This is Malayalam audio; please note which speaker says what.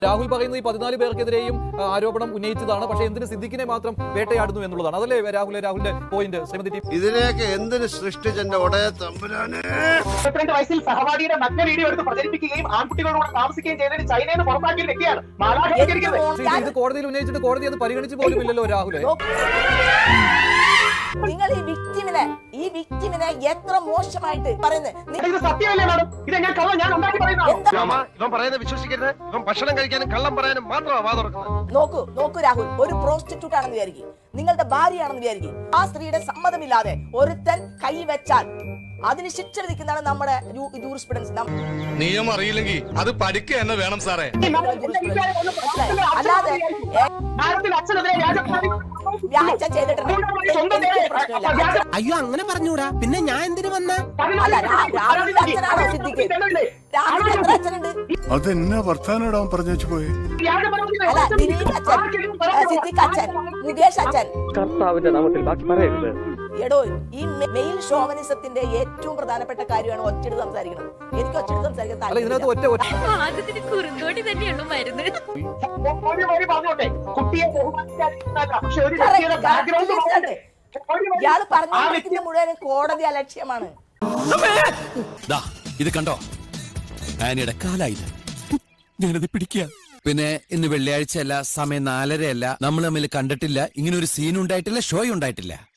Speaker 1: രാഹുൽ പറയുന്നത് ഈ 14 പേർക്കെതിരെയും ആരോപണം ഉന്നയിച്ചതാണ്. പക്ഷേ എന്തിന് സിദ്ദിഖിനെ മാത്രം വേട്ടയാടുന്നു എന്നുള്ളതാണ്. അതല്ലേ രാഹുലിന്റെ പോയിന്റ്? ശ്രീമതി
Speaker 2: ഇതിനെയൊക്കെ എന്തിന് സൃഷ്ടിച്ചെന്റെ ഒടയ തമ്പുരാനെ.
Speaker 3: 22 വയസ്സിൽ സഹപാഠിയുടെ നഗ്ന വീഡിയോ എടുത്ത് പ്രചരിപ്പിക്കുകയും ആൺകുട്ടികളോട് താമസിക്കുകയും ചെയ്തതിന് ചൈനയിൽ നിന്ന് പുറത്താക്കിയ വ്യക്തിയാണ്.
Speaker 1: ഇത് കോടതിയിൽ ഉന്നയിച്ചിട്ട് കോടതി അത് പരിഗണിച്ചു പോലും ഇല്ലല്ലോ രാഹുലെ.
Speaker 4: നിങ്ങൾ ഈ വിക്ടിമിനെ എത്ര മോശമായിട്ട് പറയുന്നത്
Speaker 3: സത്യമല്ലേ മാഡം? ഇത് ഞാൻ കള്ളം ഞാൻ ഉണ്ടാക്കി
Speaker 2: പറയുന്നത് വിശ്വസിക്കരുത്. ഇവൻ ഭക്ഷണം കഴിക്കാനും കള്ളം പറയാനും മാത്രമാണ് വാ തുറക്കുന്നത്.
Speaker 4: നോക്കൂ രാഹുൽ, ഒരു പ്രോസ്റ്റിറ്റ്യൂട്ട് ആണെന്ന് വിചാരിക്കും, നിങ്ങളുടെ ഭാര്യയാണെന്ന് വിചാരിക്കും. ആ സ്ത്രീയുടെ സമ്മതമില്ലാതെ ഒരുത്തൻ കൈവച്ചാൽ അതിന് ശിക്ഷ വിധിക്കുന്നതാണ് നമ്മുടെ ജൂറിസ്പ്രുഡൻസ്.
Speaker 5: നിയമം അറിയില്ലെങ്കിൽ അത് പഠിക്കുക തന്നെ വേണം സാറേ.
Speaker 4: അല്ലാതെ
Speaker 6: അയ്യോ അങ്ങനെ പറഞ്ഞൂടാ, പിന്നെ ഞാൻ എന്തിനു വന്ന?
Speaker 7: അതെന്നാ വർത്താനം പറഞ്ഞു വെച്ചു പോയി.
Speaker 4: മുകേഷ് അച്ഛൻ
Speaker 3: കർത്താവിന്റെ നാമത്തിൽ ബാക്കി പറയരുത്.
Speaker 4: എടോ, ഈ മെയിൽ ഷോവനിസത്തിന്റെ ഏറ്റവും പ്രധാനപ്പെട്ട കാര്യമാണ് ഒറ്റയെടുത്ത് സംസാരിക്കുന്നത്. എനിക്ക് ഒറ്റയെടുത്ത് സംസാരിക്കാൻ ഇയാള് പറഞ്ഞ മുഴുവൻ കോടതി അലക്ഷ്യമാണ്.
Speaker 5: ഇത് കണ്ടോ, ആനയുടെ കാലായത് ഞാനത് പിടിക്കുക. പിന്നെ ഇന്ന് വെള്ളിയാഴ്ച അല്ല, സമയം 4:30 അല്ല, നമ്മൾ തമ്മിൽ കണ്ടിട്ടില്ല, ഇങ്ങനെ ഒരു സീൻ ഉണ്ടായിട്ടില്ല, ഷോ ഉണ്ടായിട്ടില്ല.